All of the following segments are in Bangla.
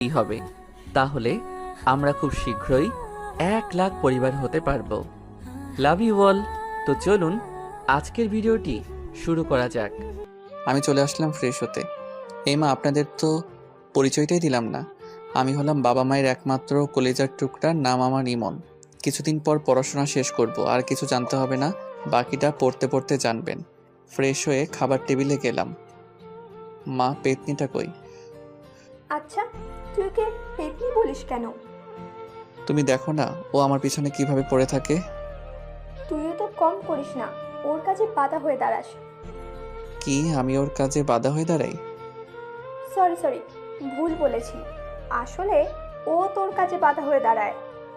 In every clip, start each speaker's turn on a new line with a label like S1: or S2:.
S1: হবে, তাহলে আমরা খুব শীঘ্রই 1,00,000 পরিবার হতে পারবো। Love you all. তো চলুন আজকের ভিডিওটি শুরু করা যাক।
S2: আমি চলে আসলাম ফ্রেশ হতে। এই মা, আপনাদের তো পরিচয়টাই দিলাম না। আমি হলাম বাবা মায়ের একমাত্র কলেজার টুকরা, নাম আমার ইমন। কিছুদিন পর পড়াশোনা শেষ করব, আর কিছু জানতে হবে না, বাকিটা পড়তে পড়তে জানবেন। ফ্রেশ হয়ে খাবার টেবিলে গেলাম। মা, পেতনিটা কই?
S3: আচ্ছা, তুই ওকে পেতনি বলিস কেন?
S2: তুমি দেখো না ও আমার পিছনে কিভাবে পড়ে থাকে।
S3: তুইও তো কম করিস না, ওর কাছে বাধা হয়ে দাঁড়াস।
S2: কি আমি ওর কাজে বাধা হয়ে দাঁড়াই?
S3: সরি সরি, ভুল বলেছি। আসলে ও তোর কাছে বাধা হয়ে দাঁড়ায়।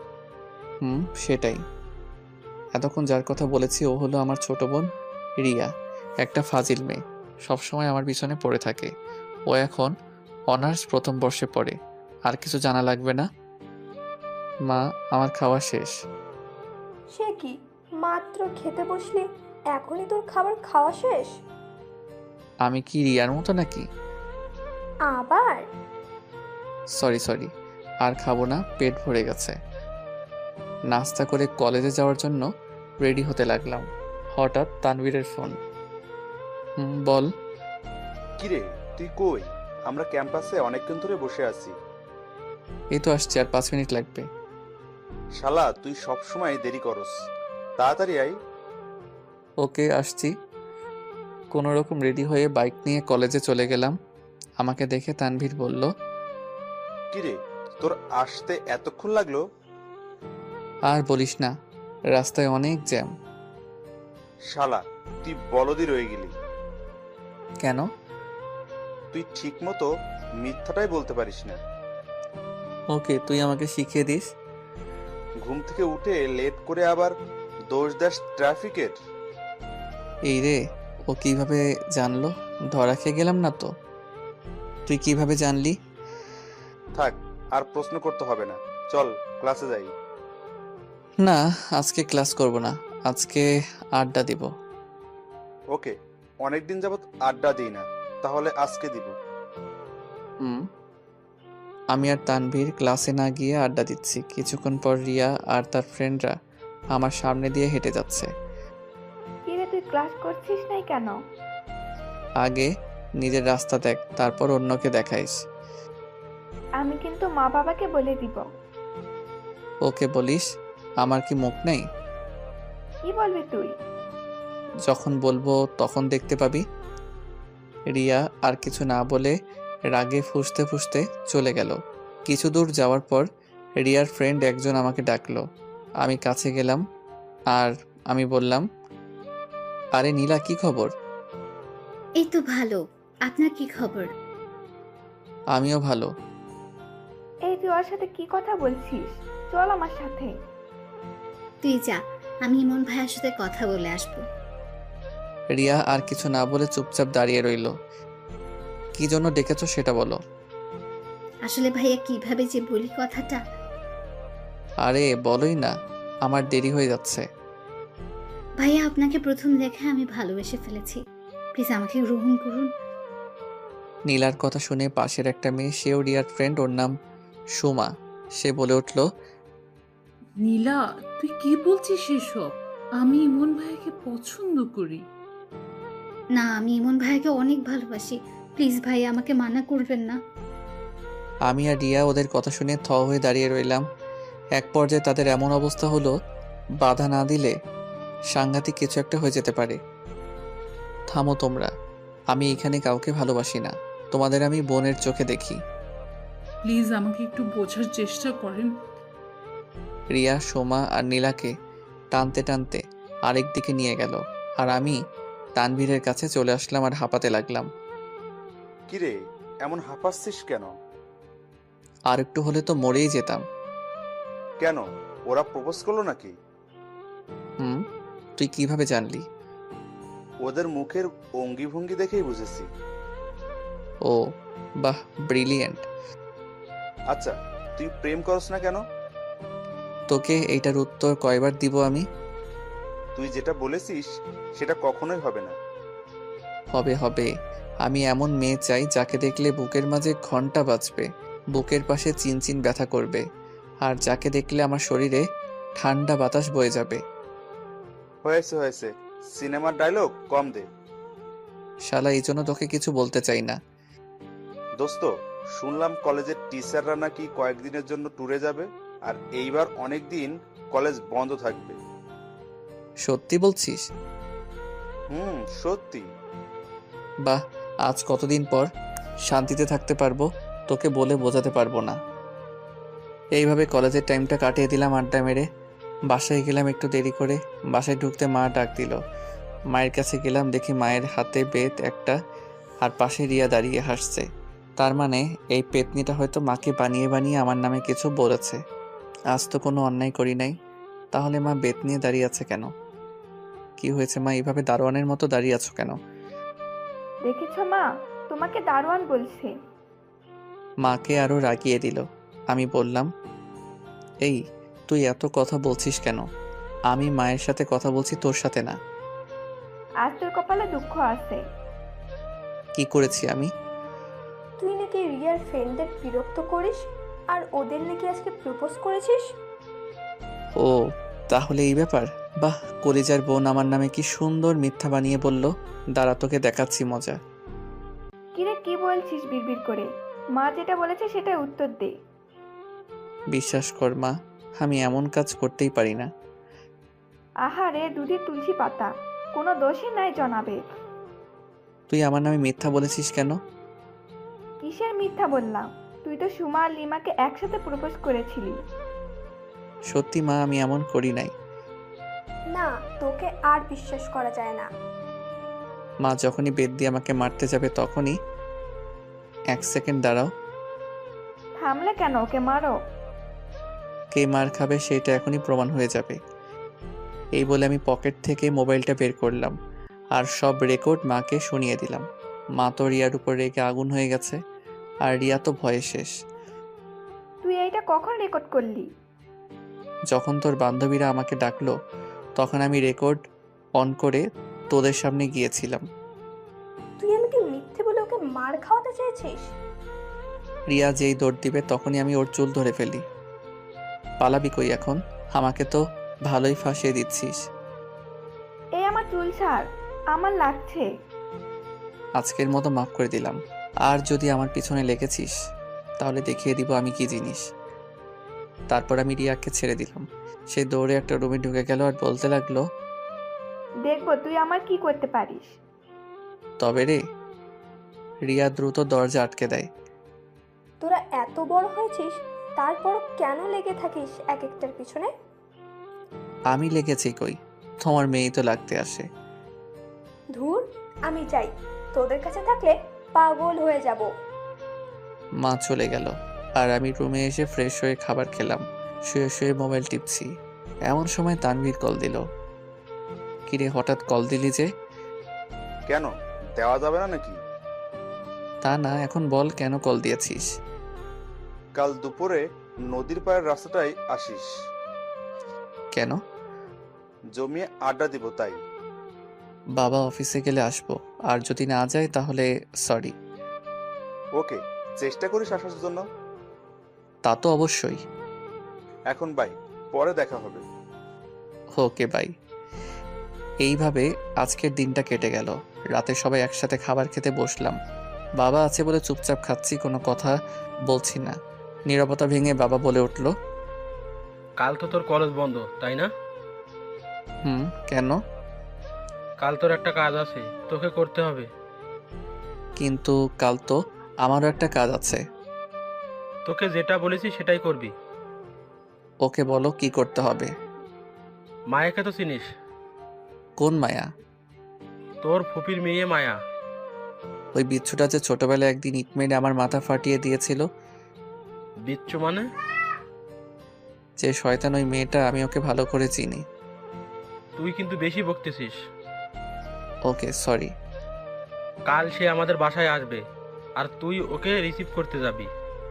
S2: সেটাই। এতক্ষণ যার কথা বলেছি ও হলো আমার ছোট বোন রিয়া, একটা ফাজিল মেয়ে, সবসময় আমার পিছনে পড়ে থাকে। ও এখন অনার্স প্রথম বর্ষে পড়ে। আর কিছু জানা লাগবে না। মা, আমার খাওয়া শেষ।
S3: সে কি, মাত্র খেতে বসলি, এখনই তোর খাবার খাওয়া শেষ?
S2: আমি কি রিয়ার মতো নাকি?
S3: আবার?
S2: সরি সরি, আর খাবো না, পেট ভরে গেছে। নাস্তা করে কলেজে যাওয়ার জন্য রেডি হতে লাগলাম। হঠাৎ তানভীরের ফোন। বল।
S4: কিরে, তুই কই? আমরা ক্যাম্পাসে অনেকক্ষণ ধরে বসে আছি।
S2: এই তো আসছি, আর 5 মিনিট লাগবে।
S4: শালা, তুই সব সময় দেরি করস। তাড়াতাড়ি আই।
S2: ওকে, আসছি। কোনো রকম রেডি হয়ে বাইক নিয়ে কলেজে চলে গেলাম। আমাকে দেখে তানভীর বলল,
S4: কিরে, তোর আসতে এতক্ষণ লাগলো?
S2: আর বলিস না, রাস্তায় অনেক জ্যাম।
S4: শালা, তুই বলদি রয়ে গেলি।
S2: কেন?
S4: তুই ঠিক মতো মিথ্যাটাই বলতে পারিস না।
S2: ওকে, তুই আমাকে শিখিয়ে দিস।
S4: ঘুম থেকে উঠে লেট করে আবার দোষ দাস ট্রাফিকের।
S2: এই রে, ও কিভাবে জানলো? ধরা খেয়ে গেলাম না তো? তুই কিভাবে জানলি?
S4: থাক, আর প্রশ্ন করতে হবে না, চল ক্লাসে যাই।
S2: না, আজকে ক্লাস করব না, আজকে আড্ডা দিব।
S4: ওকে, অনেকদিন যাবত আড্ডা দিই না, তাহলে আজকে দিব।
S2: হুম। আমি আর তানভীর ক্লাসে না গিয়ে আড্ডা দিচ্ছি। কিছুক্ষণ পর রিয়া আর তার ফ্রেন্ডরা আমার সামনে দিয়ে হেঁটে যাচ্ছে।
S5: কিরে, তুই ক্লাস করছিস নাই কেন?
S2: আগে নিজের রাস্তা দেখ, তারপর অন্যকে দেখাইস।
S5: আমি কিন্তু মা বাবাকে বলে দিব।
S2: ওকে বলিস, আমার কি মুখ নেই?
S5: কি বলবি তুই?
S2: যখন বলবো তখন দেখতে পাবি। রিয়া আর কিছু না বলে রাগে ফুঁসতে ফুঁসতে চলে গেল। কিছু দূর যাওয়ার পর রিয়ার ফ্রেন্ড একজন আমাকে ডাকলো। আমি কাছে গেলাম আর আমি বললাম, আরে নীলা, কি খবর?
S6: এই তো ভালো। আপনার কি খবর?
S2: আমিও ভালো।
S5: এই তুই ওর সাথে কি কথা বলছিস? চল আমার সাথে।
S6: তুই যা, আমি ইমন ভাইয়ের সাথে কথা বলে আসবো।
S2: রিয়া আর কিছু না বলে চুপচাপ দাঁড়িয়ে রইল। কি জন্য ডেকেছো সেটা বলো।
S6: আসলে ভাইয়া কিভাবে যে বলি কথাটা।
S2: আরে বলোই না, আমার দেরি হয়ে যাচ্ছে।
S6: ভাইয়া, আপনাকে প্রথম দেখে আমি ভালোবেসে ফেলেছি। প্লিজ আমাকে গ্রহণ করুন।
S2: নীলার কথা শুনে পাশের একটা মেয়ে, সেও রিয়ার ফ্রেন্ড, ওর নাম সুমা, সে বলে উঠল,
S7: নীলা, তুই কি বলছিস এসব? আমি ইমন ভাইকে পছন্দ করি।
S6: না, আমি ইমন ভাইয়াকে অনেক ভালোবাসি। প্লিজ ভাইয়া, আমাকে মানা করবেন না।
S2: আমি আর রিয়া ওদের কথা শুনে থ হয়ে দাঁড়িয়ে রইলাম। এক পর্যায়ে তাদের এমন অবস্থা হলো, বাধা না দিলে সাংঘাতিক কিছু একটা হয়ে যেতে পারে। থামো তোমরা, আমি এখানে কাউকে ভালোবাসি না, তোমাদের আমি বোনের চোখে দেখি।
S7: প্লিজ আমাকে একটু বোঝার চেষ্টা করেন।
S2: রিয়া সোমা আর নীলাকে টানতে টানতে আরেক দিকে নিয়ে গেল, আর আমি তানভীরের কাছে চলে আসলাম আর হাঁপাতে লাগলাম।
S4: কিরে, এমন হাঁপাচ্ছিস কেন?
S2: আর একটু হলে তো মরেই যেতাম।
S4: কেন, ওরা প্রপোজ করলো নাকি?
S2: তুই কিভাবে জানলি?
S4: ওদের মুখের অঙ্গি ভঙ্গি দেখেই বুঝেছি।
S2: ও বাহ, ব্রিলিয়েন্ট।
S4: আচ্ছা, তুই প্রেম করস না কেন?
S2: তোকে এইটার উত্তর কয়বার দিব আমি?
S4: তুই যেটা বলেছিস সেটা কখনোই হবে না।
S2: হবে হবে, আমি এমন মেয়ে চাই যাকে দেখলে বুকের মাঝে ঘন্টা বাজবে, বুকের পাশে চিনচিন ব্যথা করবে, আর যাকে দেখলে আমার শরীরে ঠান্ডা বাতাস বয়ে যাবে।
S4: হয়েছে হয়েছে, সিনেমার ডায়লগ কম দে।
S2: শালা এই জন্য তোকে কিছু বলতে চাই না।
S4: দোস্ত, শুনলাম কলেজের টিচাররা নাকি কয়েকদিনের জন্য ট্যুরে যাবে, আর এইবার অনেক দিন কলেজ বন্ধ থাকবে।
S2: সত্যি বলছিস?
S4: সত্যি।
S2: বাহ, আজ কতদিন পর শান্তিতে থাকতে পারবো, তোকে বলে বোঝাতে পারবো না। এইভাবে কলেজের টাইমটা কাটিয়ে দিলাম আড্ডা মেরে। বাসায় গেলাম একটু দেরি করে। বাসায় ঢুকতে মা ডাক দিল। মায়ের কাছে গেলাম, দেখি মায়ের হাতে বেত একটা, আর পাশে রিয়া দাঁড়িয়ে হাসছে। তার মানে এই পেতনিটা হয়তো মাকে বানিয়ে বানিয়ে আমার নামে কিছু বলেছে। আজ তো কোনো অন্যায় করি নাই, তাহলে মা বেত নিয়ে দাঁড়িয়ে আছে কেন? কি হয়েছে মা, এইভাবে দারোয়ানের মতো দাঁড়িয়ে আছো কেন?
S5: দেখেছ মা, তোমাকে দারোয়ান বলছে।
S2: মাকে আরো রাগিয়ে দিল। আমি বললাম, এই তুই এত কথা বলছিস কেন? আমি মায়ের সাথে কথা বলছি, তোর সাথে না।
S5: আজ তোর কপালে দুঃখ আছে।
S2: কি করেছি আমি?
S3: তুই নাকি রিয়ার ফ্রেন্ডদের বিরক্ত করিস, আর ওদের নাকি আজকে প্রপোজ করেছিস।
S2: ও, তাহলে এই ব্যাপার। বাহ, কলিজার বোন আমার নামে কি সুন্দর মিথ্যা বানিয়ে বলল। দাঁড়া, তোকে দেখাচ্ছি মজা।
S5: কিরে কি বলছিস বিড়বিড় করে? মা যেটা বলেছে সেটা উত্তর দে।
S2: বিশ্বাস কর মা, আমি এমন কাজ করতেই পারি না।
S5: আহারে দুধে তুলসী পাতা, কোনো দোষই নাই জনাবে।
S2: তুই আমার নামে মিথ্যা বলেছিস কেন?
S5: কিসের মিথ্যা বললাম? তুই তো সুমা আর লিমাকে একসাথে প্রপোজ করেছিলি।
S2: সত্যি মা, আমি এমন করি নাই।
S3: না, তোকে আর বিশ্বাস করা যায় না।
S2: মা যখনই বেত দিয়ে আমাকে মারতে যাবে তখনই। এক সেকেন্ড দাঁড়াও।
S5: থামলে কেন? ওকে মারো।
S2: কে মার খাবে সেটা এখনই প্রমাণ হয়ে যাবে। এই বলে আমি পকেট থেকে মোবাইলটা বের করলাম আর সব রেকর্ড মাকে শুনিয়ে দিলাম। মা তো রিয়ার উপর রেগে আগুন হয়ে গেছে, আর রিয়া তো ভয়ে শেষ।
S5: তুই এইটা কখন রেকর্ড করলি?
S2: যখন তোর বান্ধবীরা আমাকে ডাকলো তখন আমি রেকর্ড অন করে তোদের সামনে গিয়েছিলাম।
S3: তুই আমাকে মিথ্যে বলে ওকে মার খাওয়াতে চেয়েছিস।
S2: রিয়া যেই দৌড় দিবে তখনই আমি ওর চুল ধরে ফেলি। পালাবি কই এখন? আমাকে তো ভালোই ফাঁসিয়ে দিচ্ছিস।
S5: এই আমার চুল ছাড়, আমার লাগছে।
S2: আজকের মতো মাফ করে দিলাম। আর যদি আমার পিছনে লেগেছিস তাহলে দেখিয়ে দিব আমি কি জিনিস। তারপর আমি রিয়াকে ছেড়ে দিলাম। সে দৌড়ে একটা রুমে ঢুকে গেল আর বলতে লাগলো,
S5: দেখবো তুই আমার কি করতে পারিস।
S2: তবে রে। রিয়া দ্রুত দরজা আটকে দেয়।
S3: তোরা এত বড় হয়েছিস, তারপর কেন লেগে থাকিস এক একটার পিছনে?
S2: আমি লেগেছি কই, তোমার মেয়েই তো লাগতে আসে।
S3: ধুর, আমি যাই, তোদের কাছে থাকলে পাগল হয়ে যাব।
S2: মা চলে গেল আর আমি রুমে এসে ফ্রেশ হয়ে খাবার খেলাম। শুয়ে শুয়ে মোবাইল টিপছি, এমন সময় তানভীর কল দিল। কিরে হঠাৎ কল দিলি যে?
S4: কেন, দেওয়া যাবে না নাকি?
S2: তা না, এখন বল কেন কল দিয়েছিস?
S4: কাল দুপুরে নদীর পাড়ের রাস্তাটাই আসিস।
S2: কেন?
S4: জমিয়ে আড্ডা দিব তাই।
S2: বাবা অফিসে গেলে আসবো, আর যদি না যায় তাহলে সরি।
S4: ওকে, চেষ্টা করিস আসার জন্য।
S2: তা তো অবশ্যই।
S4: এখন বাই, পরে দেখা হবে।
S2: Okay bye. এইভাবে আজকের দিনটা কেটে গেল। রাতে সবাই একসাথে খাবার খেতে বসলাম। বাবা আছে বলে চুপচাপ খাচ্ছি, কোনো কথা বলছি না। নীরবতা ভেঙে বাবা বলে উঠল,
S8: কাল তো তোর কলেজ বন্ধ তাই না?
S2: কেন?
S8: কাল তোর একটা কাজ আছে, তোকে করতে হবে।
S2: কিন্তু কাল তো আমারও একটা কাজ আছে।
S8: তোকে যেটা বলেছি সেটাই করবি।
S2: ওকে বলো কি করতে হবে।
S8: মায়াকে তো চিনিস?
S2: কোন মায়া?
S8: তোর ফুপির মেয়ে মায়া।
S2: ওই বিচ্ছুটা যে ছোটবেলায় একদিন ইট মেরে আমার মাথা ফাটিয়ে দিয়েছিল।
S8: বিচ্ছু মানে?
S2: যে শয়তান ওই মেয়েটা, আমি ওকে ভালো করে চিনি।
S8: তুই কিন্তু বেশি বকতেছিস।
S2: ওকে সরি।
S8: কাল সে আমাদের বাসায় আসবে, আর তুই ওকে রিসিভ করতে যাবি।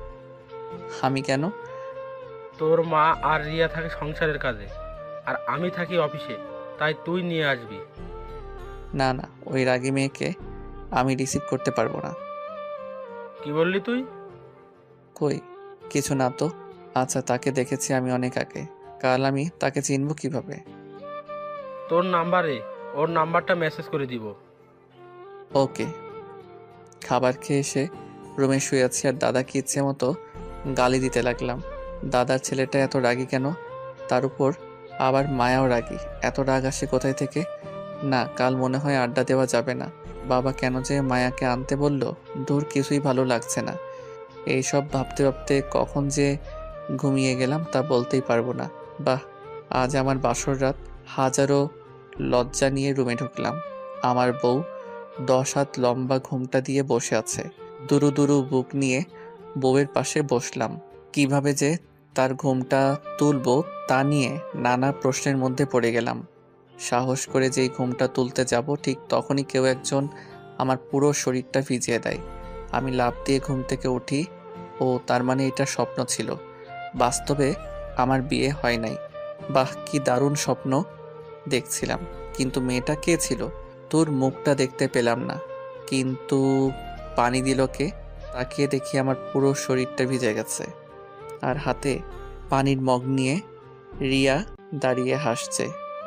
S2: আমি কেন?
S8: তোর মা আর রিয়া থাকে সংসারের কাজে, আর আমি থাকি অফিসে, তাই তুই নিয়ে আসবি।
S2: না না, ওই রাগী মেয়েকে আমি রিসিভ করতে পারবো না।
S8: কি বললি তুই?
S2: কই কিছু না তো। আচ্ছা, তাকে দেখেছি আমি অনেক আগে। কাল আমি তাকে চিনব কিভাবে?
S8: তোর নাম্বারে ওর নাম্বারটা মেসেজ করে দিব।
S2: ওকে। খাবার খেয়ে এসে রুমে শুয়ে আছি আর দাদাকে ইচ্ছে মতো গালি দিতে লাগলাম। দাদার ছেলেটা এত রাগী কেন? তার উপর আবার মায়াও রাগী। এত রাগ আসে কোথায় থেকে? না, কাল মনে হয় আড্ডা দেওয়া যাবে না। বাবা কেন যে মায়াকে আনতে বলল, দূর কিছুই ভালো লাগছে না। এইসব ভাবতে ভাবতে কখন যে ঘুমিয়ে গেলাম তা বলতেই পারবো না। বাহ, আজ আমার বাসর রাত। হাজারো লজ্জা নিয়ে রুমে ঢুকলাম। আমার বউ 10 হাত লম্বা ঘুমটা দিয়ে বসে আছে। দুরু দুরু বুক নিয়ে বউয়ের পাশে বসলাম। কিভাবে যে তার ঘুমটা তুলবো তা নিয়ে নানা প্রশ্নের মধ্যে পড়ে গেলাম। সাহস করে যেই ঘুমটা তুলতে যাব ঠিক তখনই কেউ একজন আমার পুরো শরীরটা ভিজিয়ে দেয়। আমি লাফ দিয়ে ঘুম থেকে উঠি। ও তার মানে এটা স্বপ্ন ছিল, বাস্তবে আমার বিয়ে হয় নাই। বাহ, কি দারুণ স্বপ্ন দেখছিলাম। কিন্তু মেয়েটা কে ছিল? তোর মুখটা দেখতে পেলাম না, কিন্তু পানি দিল কে? তাকিয়ে দেখি আমার পুরো শরীরটা ভিজে গেছে আর হাতে পানির মগ নিয়ে রিয়া দাঁড়িয়ে হাসছে।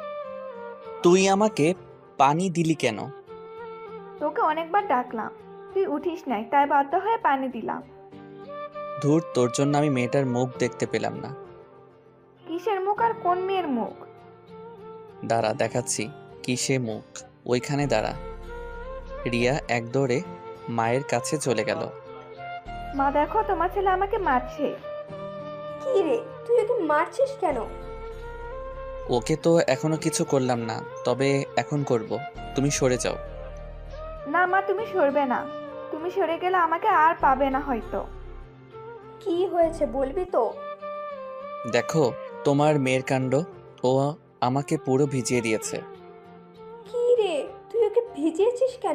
S9: তুই আমাকে পানি দিলি কেন?
S5: তোকে অনেকবার ডাকলাম, তুই উঠিস নাই, তাই বাধ্য হয়ে পানি দিলাম।
S2: ধুর, তোর জন্য আমি মেয়েটার মুখ দেখতে পেলাম না।
S5: কিসের মুখ আর কোন মেয়ের মুখ?
S2: দাঁড়া, দেখাচ্ছি কিসে মুখ। ওইখানে দাঁড়া। রিয়া এক দৌড়ে মায়ের কাছে চলে গেল।
S5: মা দেখো, তোমার ছেলে আমাকে মারছে।
S3: কি রে, তুই ওকে মারছিস কেন?
S2: ওকে তো এখনো কিছু করলাম না, তবে এখন করব। তুমি সরে যাও।
S5: না মা, তুমি সরবে না। তুমি সরে গেলে আমাকে আর পাবে না হয়তো।
S3: কি হয়েছে বলবি তো?
S2: দেখো তোমার মেয়ের কাণ্ড। ও আমাকে পুরো ভিজিয়ে দিয়েছে।
S3: কি রে, তুই ওকে ভিজিয়েছিস কেন?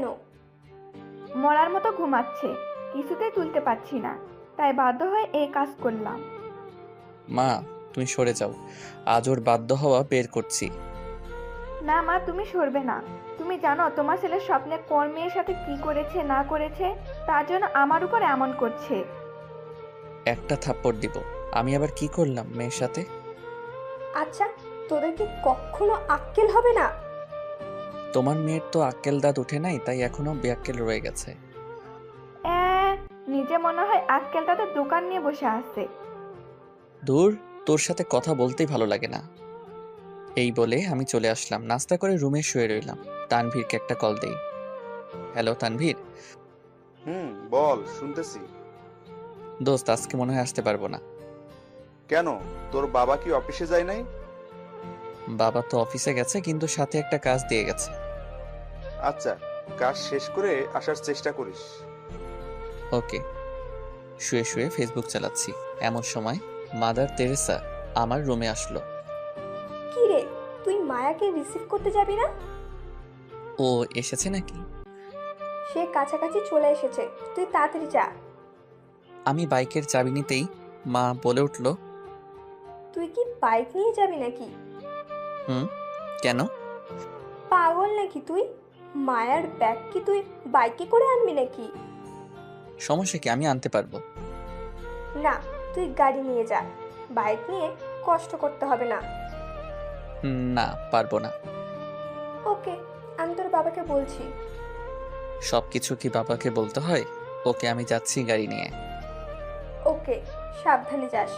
S5: মরার মতো ঘুমাচ্ছে, কিছুতেই তুলতে পারছি না, তাই বাধ্য হয়ে এই কাজ করলাম।
S2: মা, তুমি সরে যাও। আজ ওর বাধ্য হওয়া বের করছি।
S5: না মা, তুমি সরবে না। তুমি জানো তোমার ছেলে স্বপ্নে কোন মেয়ের সাথে কি করেছে না করেছে, তার জন্য আমার উপর এমন করছে।
S2: একটা থাপ্পড় দিব। আমি আবার কি করলাম মেয়ের সাথে?
S3: আচ্ছা, তোদের কি কখনো আক্কেল হবে না?
S2: তোমার মেয়ের তো আক্কেল দাঁত উঠে নাই, তাই এখনো বেআক্কেল রয়ে গেছে।
S5: নিজে মনে হয় আক্কেল তাদের দোকান নিয়ে বসে আছে।
S2: দূর, তোর সাথে কথা বলতেই ভালো লাগে না। এই বলে আমি চলে আসলাম। নাস্তা করে রুমে শুয়ে রইলাম। তানভীরকে একটা কল দেই। হ্যালো তানভীর।
S4: বল, শুনতেছি।
S2: দোস্ত, আজকে মনে হয় আসতে পারবো না।
S4: কেন, তোর বাবা কি অফিসে যায় নাই?
S2: বাবা তো অফিসে গেছে, কিন্তু সাথে একটা কাজ দিয়ে গেছে।
S4: আচ্ছা, কাজ শেষ করে আসার চেষ্টা করিস।
S2: ওকে। শুয়ে শুয়ে ফেসবুক চালাচ্ছি, এমন সময় মাদার তেরেসা আমার রুমে আসলো।
S3: কি রে, তুই মায়াকে রিসিভ করতে যাবি না?
S2: ও এসেছে নাকি?
S3: সে কাছাকাছি চলে এসেছে, তুই তাড়াতাড়ি যা।
S2: আমি বাইকের চাবি নিতেই মা বলে উঠল,
S3: তুই কি বাইক নিয়ে যাবি নাকি?
S2: কেন?
S3: পাগল নাকি তুই? মায়ার ব্যাগ কি তুই বাইকে করে আনবি নাকি?
S2: সমস্যা কি, আমি আনতে পারবো।
S3: না, তুই গাড়ি নিয়ে যা, বাইক নিয়ে কষ্ট করতে হবে না।
S2: না, পারবো না।
S3: ওকে, আমি তোর বাবাকে বলছি।
S2: সবকিছু কি বাবাকে বলতে হয়? ওকে, আমি যাচ্ছি গাড়ি নিয়ে।
S3: ওকে, সাবধানে যাস।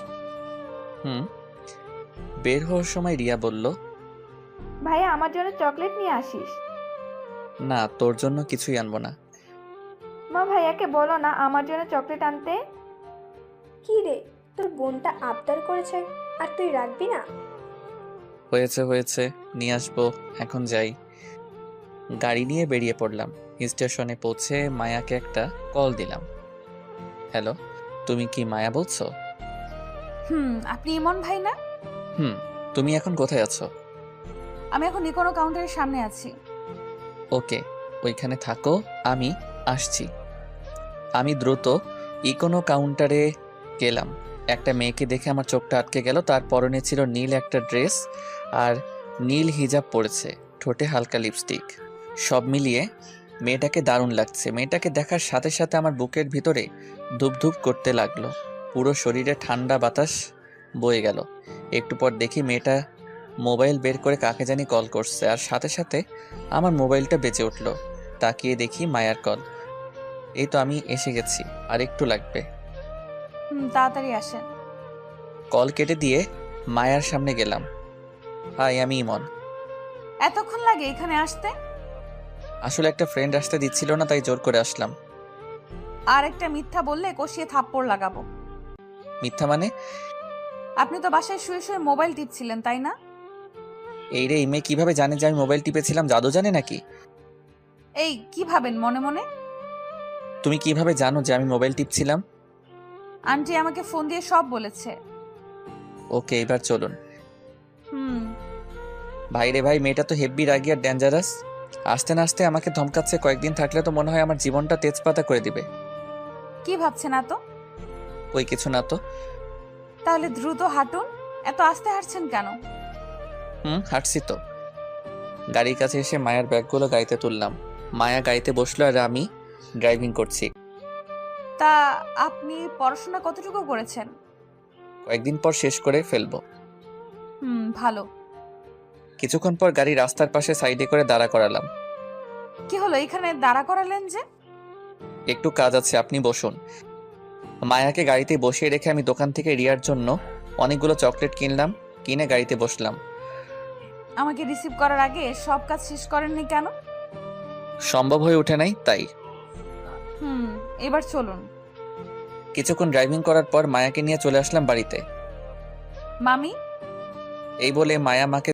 S2: বের হওয়ার সময় রিয়া বলল,
S5: ভাইয়া আমার জন্য চকলেট নিয়ে আসিস।
S2: না, তোর জন্য কিছুই আনবো না।
S5: মা, ভাইয়াকে বলো না আমার জন্য চকলেট আনতে।
S3: কি রে, তোর বোনটা আবদার করেছে আর তুই রাখবি না?
S2: হয়েছে হয়েছে, নিয়ে আসবো, এখন যাই। গাড়ি নিয়ে বেরিয়ে পড়লাম। স্টেশনে পৌঁছে মায়াকে একটা কল দিলাম। হ্যালো, তুমি কি মায়া বলছো?
S10: আপনি ইমন ভাই না?
S2: তুমি এখন কোথায় আছো?
S10: আমি এখন ইকোনো কাউন্টারের সামনে আছি।
S2: ওকে, ওইখানে থাকো, আমি আসছি। আমি দ্রুত ইকোনো কাউন্টারে গেলাম। একটা মেয়েকে দেখে আমার চোখটা আটকে গেল। তার পরনে ছিল নীল একটা ড্রেস আর নীল হিজাব পরেছে, ঠোঁটে হালকা লিপস্টিক। সব মিলিয়ে মেয়েটাকে দারুণ লাগছে। মেয়েটাকে দেখার সাথে সাথে আমার বুকের ভিতরে ধুপধুপ করতে লাগলো। পুরো শরীরে ঠান্ডা বাতাস বয়ে গেল। একটু পর দেখি মেয়েটা মোবাইল বের করে কাকে জানি কল করছে, আর সাথে সাথে আমার মোবাইলটা বেজে উঠল। তাকিয়ে দেখি মায়ার কল। এই তো আমি এসে গেছি, আর একটু লাগবে।
S10: তাড়াতাড়ি আসেন।
S2: কল কেটে দিয়ে মায়ার সামনে গেলাম। হাই, আমি ইমন।
S10: এতক্ষণ লাগে এখানে আসতে?
S2: আসলে একটা ফ্রেন্ড আসতে দিচ্ছিল না, তাই জোর করে আসলাম।
S10: আর একটা মিথ্যা বললে কষিয়ে থাপ্পড় লাগাবো।
S2: মিথ্যা মানে?
S10: আপনি তো বাসায় শুয়ে শুয়ে মোবাইল টিপছিলেন, তাই না?
S2: এই রে, এই মেয়ে কিভাবে জানে যে আমি মোবাইল টিপেছিলাম? জাদু জানে নাকি?
S10: এই কি ভাবেন মনে মনে?
S2: তুমি কিভাবে জানো যে আমি মোবাইল টিপছিলাম?
S10: আন্টি আমাকে ফোন দিয়ে সব বলেছে।
S2: ওকে, এবার চলুন।
S10: হুম।
S2: ভাই রে ভাই, মেয়েটা তো হেভি রাগী আর ডেঞ্জারাস। আসতে না আসতে আমাকে ধমকাচ্ছে। কয়েকদিন থাকলে তো মনে হয় আমার জীবনটা তেজপাতা করে দিবে।
S10: কি ভাবছেন এত?
S2: ওই কিছু না তো।
S10: তাহলে দ্রুত হাঁটুন। এত আস্তে হাঁটছেন কেন?
S2: হাঁটছি তো। গাড়ির কাছে এসে মায়ার ব্যাগগুলো গাড়িতে তুললাম। মায়া গাড়িতে বসলো আর আমি ড্রাইভিং করছি।
S10: তা আপনি পড়াশোনা কতটুকু করেছেন?
S2: কয়েকদিন পর শেষ করে ফেলবো।
S10: ভালো।
S2: কিছুক্ষণ পর গাড়ি রাস্তার পাশে সাইডে করে দাঁড়া করালাম।
S10: কি হলো, এখানে দাঁড়া করালেন যে?
S2: একটু কাজ আছে, আপনি বসুন। মায়াকে গাড়িতে বসিয়ে রেখে আমি দোকান থেকে রিয়ার জন্য অনেকগুলো চকলেট কিনলাম। কিনে গাড়িতে বসলাম।
S10: আমাকে রিসিভ করার আগে সব কাজ শেষ করেননি কেন?
S2: সম্ভব হয়ে ওঠে নাই, তাই।
S10: এবার চলুন।
S2: কিছুক্ষণ ড্রাইভিং করার পর মায়াকে নিয়ে চলে আসলাম বাড়িতে।
S10: মামি?
S2: এই বলে মায়া মাকে